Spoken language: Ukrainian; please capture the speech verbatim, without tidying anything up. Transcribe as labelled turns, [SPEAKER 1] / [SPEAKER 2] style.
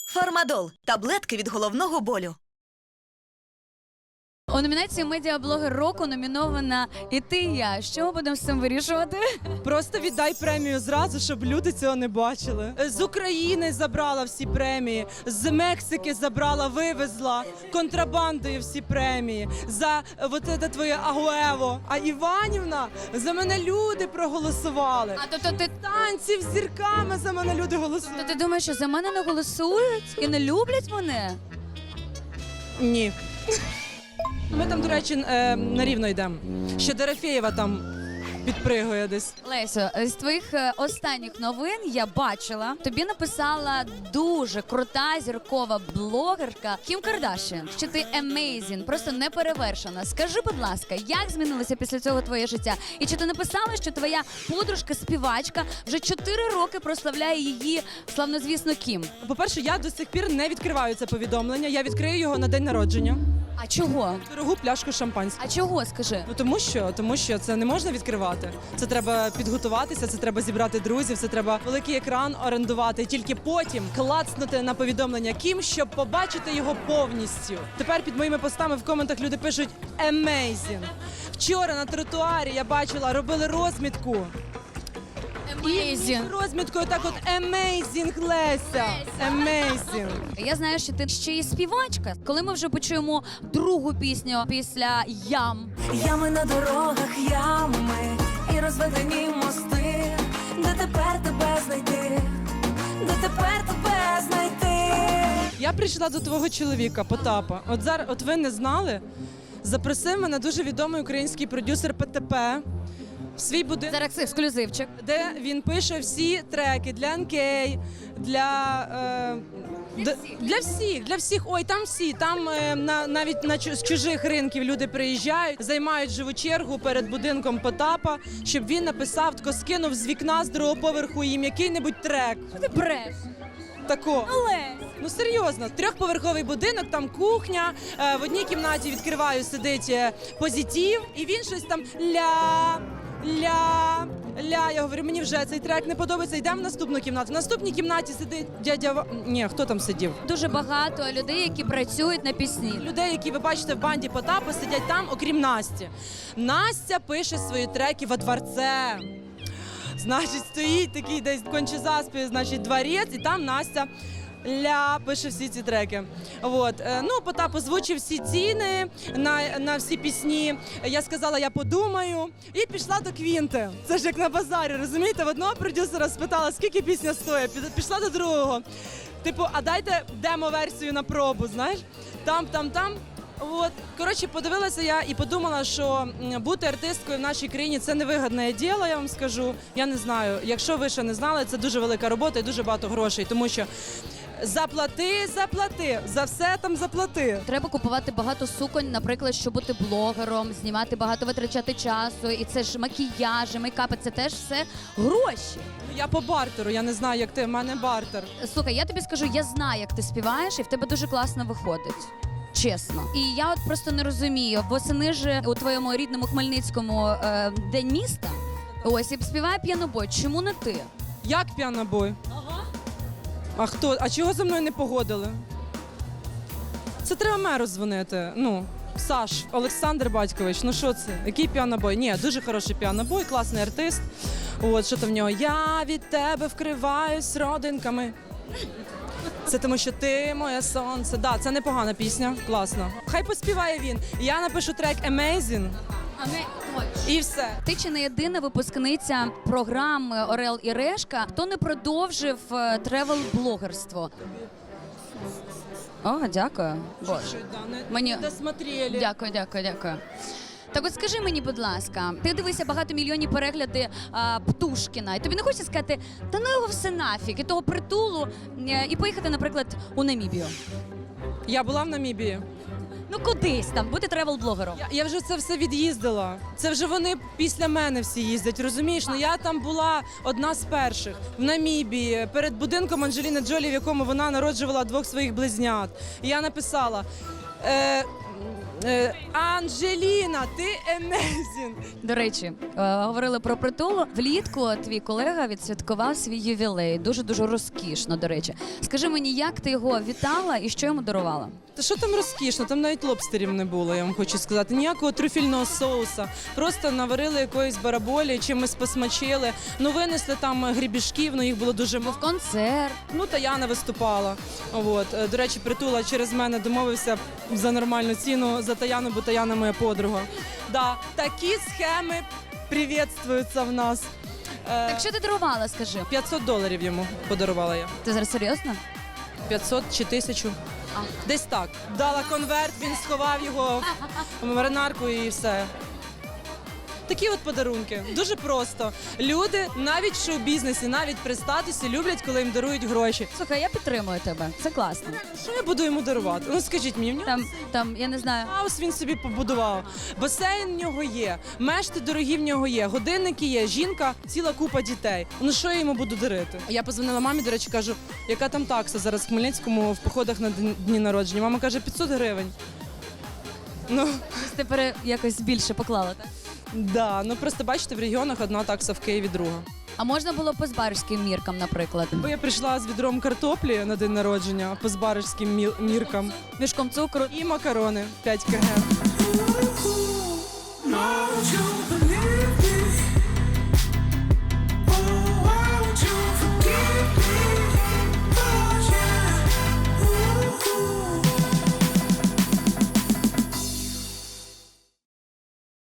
[SPEAKER 1] Фармадол – таблетки від головного болю.
[SPEAKER 2] У номінації «Медіаблогер року» номінована і ти, і я. Що ми будемо з цим вирішувати?
[SPEAKER 3] Просто віддай премію зразу, щоб люди цього не бачили. З України забрала всі премії, з Мексики забрала, вивезла контрабандою всі премії. За вот це твоє агуево. А Іванівна, за мене люди проголосували.
[SPEAKER 2] А то, то ти
[SPEAKER 3] Танців з зірками за мене люди
[SPEAKER 2] то
[SPEAKER 3] голосують.
[SPEAKER 2] ти думаєш, що за мене не голосують і не люблять мене?
[SPEAKER 3] Ні. Ми там, до речі, е, на рівно йдемо. Ще Дорофєєва там підпригує десь.
[SPEAKER 2] Лесю, з твоїх е, останніх новин я бачила, тобі написала дуже крута зіркова блогерка Кім Кардашіан, що ти amazing, просто неперевершена. Скажи, будь ласка, як змінилося після цього твоє життя? І чи ти написала, що твоя подружка-співачка вже чотири роки прославляє її славнозвісну Кім?
[SPEAKER 3] По-перше, я до сих пір не відкриваю це повідомлення. Я відкрию його на день народження.
[SPEAKER 2] А чого?
[SPEAKER 3] Дорогу пляшку шампанського.
[SPEAKER 2] А чого, скажи?
[SPEAKER 3] Ну тому що, тому що це не можна відкривати. Це треба підготуватися, це треба зібрати друзів, це треба великий екран орендувати, і тільки потім клацнути на повідомлення Кім, щоб побачити його повністю. Тепер під моїми постами в коментах люди пишуть «Amazing». Вчора на тротуарі я бачила, робили розмітку.
[SPEAKER 2] Amazing.
[SPEAKER 3] Розміткою так от «Amazing, Леся». «Amazing».
[SPEAKER 2] Я знаю, що ти ще й співачка. Коли ми вже почуємо другу пісню після «Ям»,
[SPEAKER 4] Ями на дорогах, ями і розведені мости, де тепер тебе знайти, де тепер тебе знайти.
[SPEAKER 3] Я прийшла до твого чоловіка, Потапа. От зараз, от ви не знали, запросив мене дуже відомий український продюсер ПТП в свій будинок,
[SPEAKER 2] зараз ексклюзивчик.
[SPEAKER 3] де він пише всі треки для ен кей, для, е, для, всіх. для всіх, для всіх. Ой, там всі, там е, на, навіть на чу- з чужих ринків люди приїжджають, займають живу чергу перед будинком Потапа, щоб він написав, тако скинув з вікна з другого поверху їм який-небудь трек.
[SPEAKER 2] Ти бреш.
[SPEAKER 3] Тако.
[SPEAKER 2] Але
[SPEAKER 3] Ну серйозно, трьохповерховий будинок, там кухня, е, в одній кімнаті відкриваю, сидить е, позитив, і він щось там ля, ля, ля. Я говорю, мені вже цей трек не подобається, йдемо в наступну кімнату. В наступній кімнаті сидить дядя Ва... Ні, хто там сидів?
[SPEAKER 2] дуже багато людей, які працюють на пісні.
[SPEAKER 3] Людей, які ви бачите в банді Потапа, сидять там, окрім Насті. Настя пише свої треки во дворце. Значить, стоїть такий десь конче заспів, значить, дворець, і там Настя ля пише всі ці треки. От. Е, Ну, Потап озвучив всі ціни на, на всі пісні. Я сказала, я подумаю. І пішла до Квінти. Це ж як на базарі, розумієте? В одного продюсера спитала, скільки пісня стоїть. Пі- Пішла до другого. Типу, а дайте демо-версію на пробу, знаєш? Там, там, там. От, коротше, подивилася я і подумала, що м, бути артисткою в нашій країні – це невигідне діло, я вам скажу. Я не знаю, якщо ви ще не знали, це дуже велика робота і дуже багато грошей, тому що заплати, заплати, за все там заплати.
[SPEAKER 2] Треба купувати багато суконь, наприклад, щоб бути блогером, знімати багато, витрачати часу. І це ж макіяжі, мейкапи, це теж все гроші.
[SPEAKER 3] Я по бартеру, я не знаю, як ти, в мене бартер.
[SPEAKER 2] Слухай, я тобі скажу, я знаю, як ти співаєш, і в тебе дуже класно виходить. Чесно. І я от просто не розумію, восени ж у твоєму рідному Хмельницькому е, День міста, ось, і співає п'янобой. Чому не ти?
[SPEAKER 3] Як п'янобой? Ага. А хто? А чого за мною не погодили? Це треба меру дзвонити. Ну, Саш, Олександр Батькович, ну що це? Який піанобой? Ні, дуже хороший піанобой, класний артист. От, що там в нього? Я від тебе вкриваюсь родинками. Це тому, що ти моє сонце. Да, це непогана пісня, класно. Хай поспіває він. Я напишу трек «Amazing»
[SPEAKER 2] А ми
[SPEAKER 3] і все.
[SPEAKER 2] ти чи не єдина випускниця програми Орел і Решка, хто не продовжив е, тревел-блогерство? О, дякую. Боже. Мені-
[SPEAKER 3] Не досмотрели.
[SPEAKER 2] Дякую, дякую, дякую. Так от скажи мені, будь ласка, ти дивишся багатомільйонні перегляди а, Птушкіна, і тобі не хочеться сказати, та ну його все нафіг, і того притулу, е, і поїхати, наприклад, у Намібію?
[SPEAKER 3] Я була в Намібії.
[SPEAKER 2] Ну кудись там, бути тревел-блогером.
[SPEAKER 3] Я, я вже це все від'їздила. Це вже вони після мене всі їздять, розумієш? Ну я там була одна з перших в Намібії, перед будинком Анджеліни Джолі, в якому вона народжувала двох своїх близнят. І я написала: е, Е, Анжеліна, ти amazing!
[SPEAKER 2] До речі, е, говорили про притулу. Влітку твій колега відсвяткував свій ювілей. Дуже-дуже розкішно, до речі. Скажи мені, як ти його вітала і що йому дарувала?
[SPEAKER 3] Та що там розкішно? Там навіть лобстерів не було, я вам хочу сказати. Ніякого трюфельного соуса. Просто наварили якоїсь бараболі, чимось посмачили. Ну, винесли там грібішків, ну їх було дуже мало.
[SPEAKER 2] Був концерт.
[SPEAKER 3] Ну, Таяна виступала. От. Е, До речі, Притула через мене домовився за нормальну ціну за Таяну, бо Таяна моя подруга. Да, такі схеми привітствуються в нас. Е,
[SPEAKER 2] Так що ти дарувала, скажи?
[SPEAKER 3] п'ятсот доларів йому подарувала я.
[SPEAKER 2] Ти зараз серйозно?
[SPEAKER 3] п'ятсот чи тисячу.
[SPEAKER 2] А.
[SPEAKER 3] Десь так. Дала конверт, він сховав його в маринарку і все. Такі от подарунки. Дуже просто. Люди навіть в шоу-бізнесі, навіть при статусі люблять, коли їм дарують гроші.
[SPEAKER 2] Слухай, я підтримую тебе. Це класно.
[SPEAKER 3] Що я буду йому дарувати? Ну скажіть мені, в нього
[SPEAKER 2] Там, там, я не знаю.
[SPEAKER 3] хаус він собі побудував. Басейн в нього є, мешти дорогі в нього є, годинники є, жінка, ціла купа дітей. Ну що я йому буду дарити? Я позвонила мамі, до речі, кажу, яка там такса зараз в Хмельницькому в походах на дн- дні народження. Мама каже, п'ятсот гривень. Ну,
[SPEAKER 2] Тобто ти пере- якось більше поклала, так?
[SPEAKER 3] да, ну просто бачите, в регіонах одна такса, в Києві друга.
[SPEAKER 2] А можна було по збарським міркам, наприклад?
[SPEAKER 3] Бо я прийшла з відром картоплі на день народження по збарежським мі- міркам.
[SPEAKER 2] Мішком цукру.
[SPEAKER 3] І макарони п'ять кілограмів.
[SPEAKER 4] No, you